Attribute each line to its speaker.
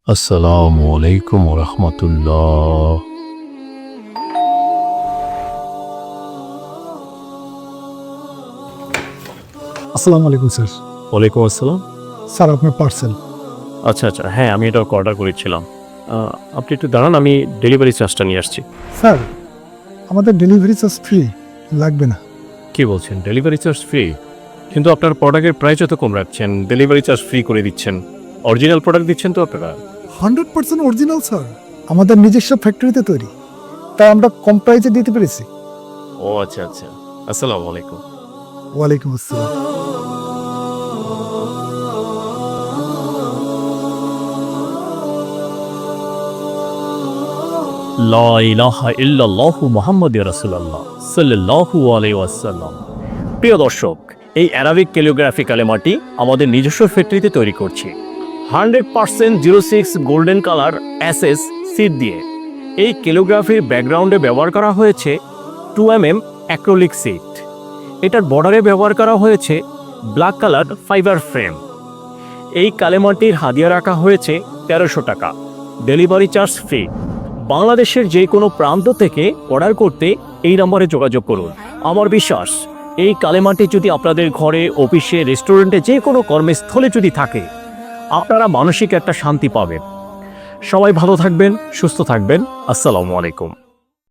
Speaker 1: আসসালামু আলাইকুম ওয়া রাহমাতুল্লাহ।
Speaker 2: আসসালামু আলাইকুম স্যার।
Speaker 1: ওয়ালাইকুম আসসালাম।
Speaker 2: স্যার আপনার পার্সেল।
Speaker 1: আচ্ছা, হ্যাঁ, আমি এটা অর্ডার করেছিলাম। আপনি একটু দাঁড়ান, আমি ডেলিভারি চার্জটা নিয়ে আসছি।
Speaker 2: স্যার আমাদের ডেলিভারি চার্জ ফ্রি, লাগবে না।
Speaker 1: কি বলছেন, ডেলিভারি চার্জ ফ্রি? কিন্তু আপনার প্রোডাক্টের প্রাইস তো কম রাখছেন, ডেলিভারি চার্জ ফ্রি করে দিচ্ছেন। অরিজিনাল প্রোডাক্ট দিচ্ছেন তো আপনারা?
Speaker 2: 100% অরিজিনাল স্যার, আমাদের নিজস্ব ফ্যাক্টরিতে তৈরি, তাই আমরা কম প্রাইসে দিতে পেরেছি।
Speaker 1: ও আচ্ছা। আসসালামু আলাইকুম।
Speaker 2: ওয়ালাইকুম আসসালাম।
Speaker 1: লা ইলাহা ইল্লাল্লাহু মুহাম্মাদুর রাসূলুল্লাহ সাল্লাল্লাহু আলাইহি ওয়াসাল্লাম। প্রিয় দর্শক, এই অ্যারাবিক ক্যালিগ্রাফি কালেমাটি আমাদের নিজস্ব ফ্যাক্টরিতে তৈরি করছি 100% 06 গোল্ডেন কালার এসএস সিড দিয়ে। এই ক্যালিগ্রাফির ব্যাকগ্রাউন্ডে ব্যবহার করা হয়েছে 2mm অ্যাক্রিলিক সিড। এটার বর্ডারে ব্যবহার করা হয়েছে ব্ল্যাক কালার ফাইবার ফ্রেম। এই কালেমাটির হাদিয়া রাখা হয়েছে 1300 টাকা, ডেলিভারি চার্জ ফ্রি। বাংলাদেশের যে কোনো প্রান্ত থেকে অর্ডার করতে এই নম্বরে যোগাযোগ করুন। আমার বিশ্বাস, এই কালেমাটি যদি আপনাদের ঘরে, অফিসে, রেস্টুরেন্টে, যে কোনো কর্মস্থলে যদি থাকে, আপনারা মানসিক একটা শান্তি পাবেন। সবাই ভালো থাকবেন, সুস্থ থাকবেন। আসসালামু আলাইকুম।